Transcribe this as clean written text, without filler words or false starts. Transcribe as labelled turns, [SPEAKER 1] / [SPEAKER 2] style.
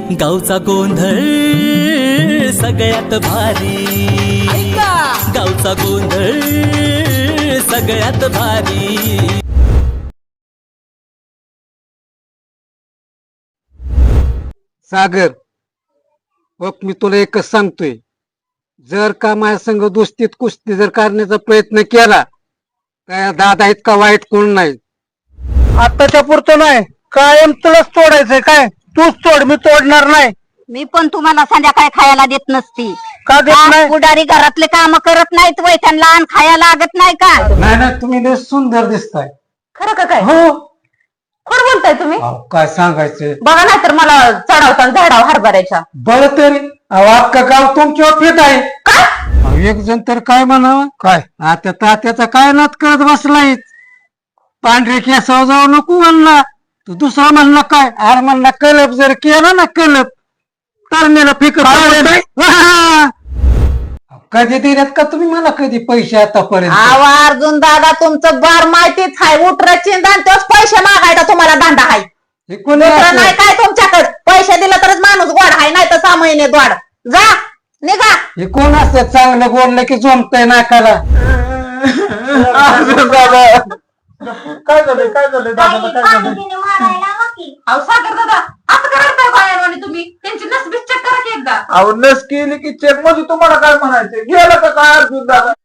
[SPEAKER 1] गावचा गोंधळ सगळ्यात भारी, गावचा गोंधळ सगळ्यात भारी।
[SPEAKER 2] सागर बघ, मी तुला एकच सांगतोय, जर का माझ्या संग दोस्तीत कुस्ती जर करण्याचा प्रयत्न केला तर दादा इतका वाईट कोण नाही।
[SPEAKER 3] आताच्या पुरतं नाही, कायम तुलाच तोडायचंय काय? तूच तोड, मी तोडणार नाही।
[SPEAKER 4] मी पण तुम्हाला संध्याकाळी खायला देत नसती
[SPEAKER 3] का देत नाही?
[SPEAKER 4] पुढारी घरातले काम करत नाहीत वय, त्यांना अन्न खायला लागत नाही का?
[SPEAKER 2] नाही ना, तुम्ही लय सुंदर दिसताय।
[SPEAKER 5] खरं का काय?
[SPEAKER 2] हो,
[SPEAKER 5] कोण बोलताय तुम्ही?
[SPEAKER 2] अहो, काय सांगायचं,
[SPEAKER 5] बघा नाही तर मला चढावता झाडाव हरभऱ्याच्या।
[SPEAKER 2] बरं तरी अख्खं गाव तुमच्यावर फिट आहे। अहो, एक जण तर काय म्हणावं, काय आता तात्याचा काय नात करत बसलाय, पांढरे केसावर जाऊ नको म्हणला, तू दुसरा म्हणला काय, अरे म्हणला कलप जर केला ना कलप तर मेला फिकत कधी दिल्यात का तुम्ही मला कधी पैसे आतापर्यंत?
[SPEAKER 5] आवा अर्जुन दादा, तुमचं बार माहितीच आहे, उठराची तोच पैसे मागायचा तुम्हाला धंदा आहे।
[SPEAKER 2] हे कोणी
[SPEAKER 5] दुसरं
[SPEAKER 2] असं?
[SPEAKER 5] नाही काय तुमच्याकडे, पैसे दिला तरच माणूस गोड आहे, नाही तर 6 महिने गोड। जा निघा।
[SPEAKER 2] हे कोण असं चांगलं बोललं की जमतंय नाकाला?
[SPEAKER 3] काय झालं दादाला, काय झालं?
[SPEAKER 5] अहो सागर दादा, असं करताय बायावानी तुम्ही? त्यांची नसबीस चेक करा की एकदा।
[SPEAKER 3] अहो नस केली की चेक मध्ये तुम्हाला काय म्हणायचं? गेलं का काय अर्जुन दादा?